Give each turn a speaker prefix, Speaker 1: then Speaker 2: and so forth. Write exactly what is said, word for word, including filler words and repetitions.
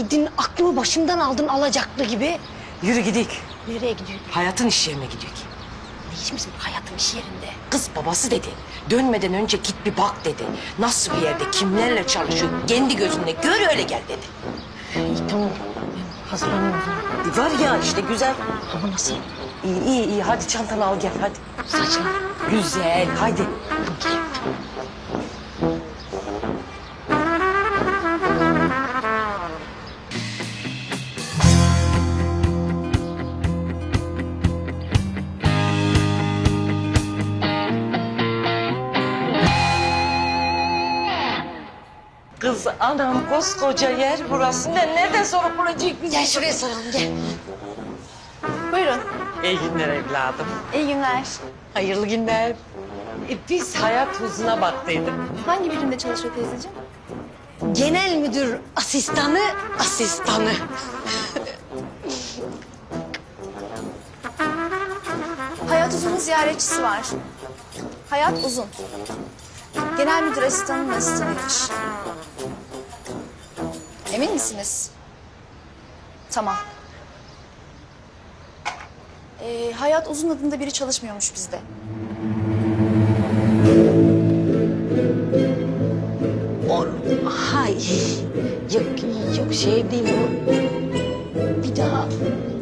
Speaker 1: geldin, aklımı başımdan aldın alacaklı gibi.
Speaker 2: Yürü gidik.
Speaker 1: Nereye gidiyor?
Speaker 2: Hayatın iş yerine gidiyor.
Speaker 1: Ne iş bizim hayatın iş yerinde?
Speaker 2: Kız babası dedi. Dönmeden önce git bir bak dedi. Nasıl bir yerde, kimlerle çalışıyor, kendi gözünle gör öyle gel dedi.
Speaker 1: İyi tamam. Ben hazırlanıyorum. o zaman.
Speaker 2: E var ya işte güzel.
Speaker 1: Ama nasıl?
Speaker 2: İyi iyi iyi hadi çantanı al gel hadi.
Speaker 1: Saçma.
Speaker 2: Güzel hadi. Kız anam koskoca yer burası. Ne, nereden sonra bulacak biz?
Speaker 1: Gel şuraya saralım gel.
Speaker 3: Buyurun.
Speaker 2: İyi günler evladım.
Speaker 3: İyi günler.
Speaker 2: Hayırlı günler. E, biz hayat huzuna baktıydık.
Speaker 3: Hangi birimde çalışıyor teyzeciğim?
Speaker 1: Genel müdür asistanı asistanı.
Speaker 3: Hayat Uzun'un ziyaretçisi var. Hayat Uzun. Genel müdür asistanının asistanıymış. Emin misiniz? Tamam. Ee, Hayat Uzun adında biri çalışmıyormuş bizde.
Speaker 1: O, hay yok yok şey değil o. Bir daha